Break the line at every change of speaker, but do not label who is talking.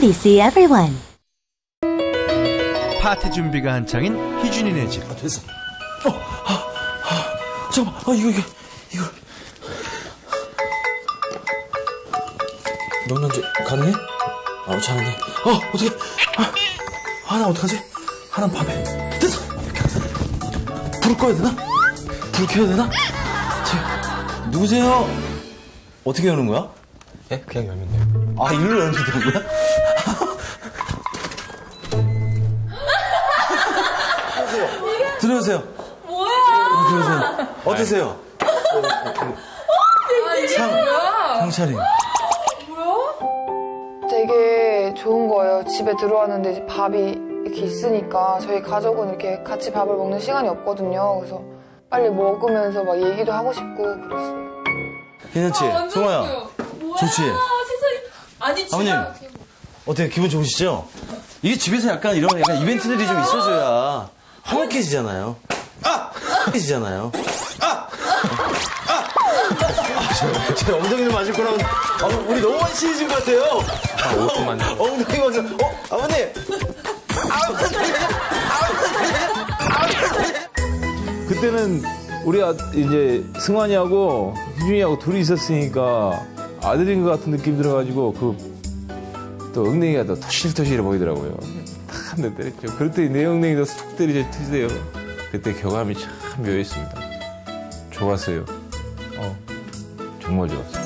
NBC Everyone.
파티 준비가 한창인 희준이네 집.
됐어. 잠깐만. 이거. 명란젓 가능해? 잘하네. 어떡해. 나 어떡하지? 하나 밤에. 됐어. 불을 꺼야 되나? 불 켜야 되나? 누구세요? 어떻게 여는 거야?
예? 그냥 열면 돼요.
일로 열면 되는 거야? 들어오세요.
뭐야?
들어오세요. 어떠세요? 상차림.
되게 좋은 거예요. 집에 들어왔는데 이제 밥이 이렇게 있으니까 저희 가족은 이렇게 같이 밥을 먹는 시간이 없거든요. 그래서 빨리 먹으면서 막 얘기도 하고 싶고 그랬어요.
괜찮지? 송아야. 좋지?
세상에. 아니,
아버님, 어때요? 기분 좋으시죠? 이게 집에서 약간 이런 이벤트들이 좀 있어줘야 화목해지잖아요. 제 엉덩이를 맞을 거라면 우리 너무 많이 친해진 것 같아요.
5분만.
엉덩이 맞을. 아버님.
그때는 우리가 이제 승환이하고 희준이하고 둘이 있었으니까 아들인 것 같은 느낌 들어가지고 또 엉덩이가 더 터실터실해 보이더라고요. 탁 한 대 때렸죠. 그럴 때 내 엉덩이도 툭 때리세요. 그때 교감이 참 묘했습니다. 좋았어요. 정말 좋았어요.